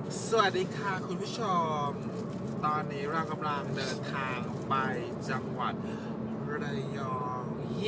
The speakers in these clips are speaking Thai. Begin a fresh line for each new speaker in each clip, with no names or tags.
สวัสดีค่ะคุณผู้ชม ตอนนี้เรากำลังเดินทางไปจังหวัดระยอง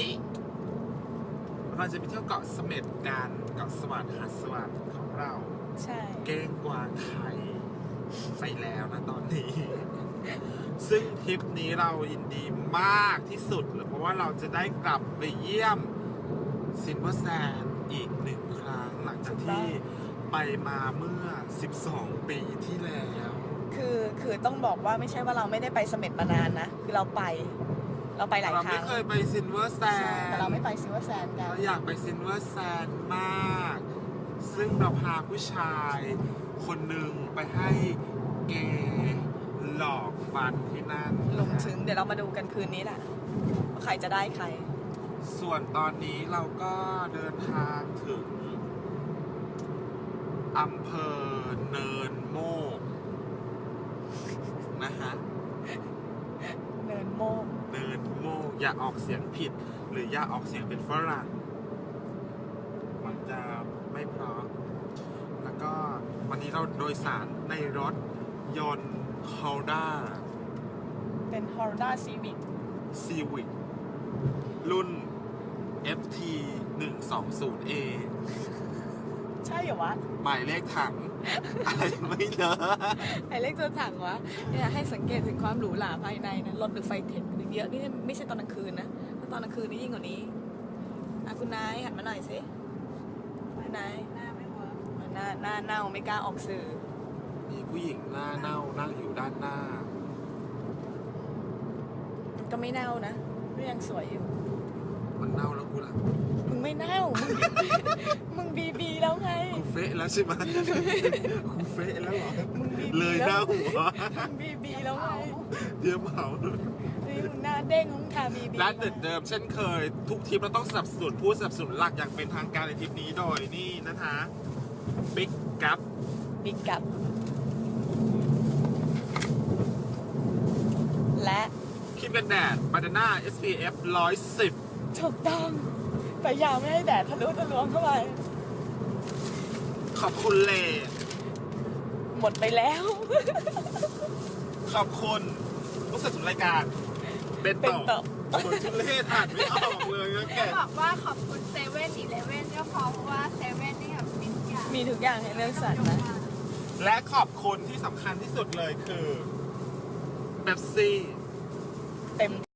เราจะไปเที่ยวเกาะเสม็ดกันเกาะสวัสดิ์หาดสวัสดิ์ของเรา
ใช่
เก้งกวางไข่ไปแล้วนะตอนนี้ ซึ่งทริปนี้เรายินดีมากที่สุดเลยเพราะว่าเราจะได้กลับไปเยี่ยมซิลเวอร์แซนด์อีก1 ครั้งหลังจากที่ไปมาเมื่อ12 ปีที่แล้ว
คือต้องบอกว่าไม่ใช่ว่าเราไม่ได้ไปเสม็ดมานานนะ คือเราไปหลาย
เรา
ครั้
ไม่
ง
เคยไปซิลเวอร์แซ
ใช่
นด์
แต่เราไม่ไปซิลเวอร์แซนด์กัน
เราอยากไปซิลเวอร์แซนด์มาก ซึ่งเราพาผู้ชายคนหนึ่งไปให้เกย์หลอกฟันที่นั่น
ลงถึงเดี๋ยวเรามาดูกันคืนนี้แหละว่าใครจะได้ใคร
ส่วนตอนนี้เราก็เดินทางถึงอำเภอเนินโมกนะฮะ
เนินโมก
เนินโมกอย่าออกเสียงผิด หรืออย่าออกเสียงเป็นฝรั่งมันจะไม่เพราะแล้วก็วันนี้เราโดยสารในรถยนต์ Honda
เป็น Honda Civic
Civic รุ่น FT 120A
ใช่เหรอวะ
หมายเลขถัง อะไรไม่เลอะ
ไอเลขตัวถังวะเนี่ยให้สังเกตถึงความหรูหราภายในนะรถหรือไฟเทคเยอะนี่ไม่ใช่ตอนกลางคืนนะถ้าตอนกลางคืนนี่ยิ่งกว่านี้คุณนายหันมาหน่อยสิคุณนายหน้าไม่เวิร์กหน้าเน่าไม่กล้าออกสื่อ
มีผู้หญิงหน้าเน่านั่งอยู่ด้านหน้า
ก็ไม่เน่านะก็ยังสวยอยู่
มันเน่าแล้วกูล่ะ
มึงไม่เน่า มึงบีแล้วไง
กูเฟะแล้วใช่ไหม กูเฟะแล้วเหรอ
มึงบี
เลยหน้าหัว
มึงบีแล้วไง
เดี๋ยวเผาเลย
นี่มึงหน้าเด้งมึงทาบี
ร้านเดิมเช่นเคย ทุกทริปเราต้องสนับสนุนผู้สนับสนุนหลักอย่างเป็นทางการในทริปนี้โดยนี่นะคะบิ๊กกัป
บิ๊กกับ และ
ครีมกันแดดบานาน่า SPF 110
ถูกต้องพยายามไม่ให้แดดทะลุทะลวงเข้าไป
ขอบคุณเล
หมดไปแล้ว
ขอบคุณผู้สนับสนุนรายการเบน
เป็น
โต
ต่อ
คนทุเล่อ่านไม่ออกเลยนะแก
บอกว่าขอบคุณเซเว่นอีเลเว่นก็พอเพราะว่าเซเว่นนี่แบบมีทุกอย่าง
มีทุกอย่างให้เลือกสรรนะ
และขอบคุณที่สำคัญที่สุดเลยคือเบปซี่
เต็ม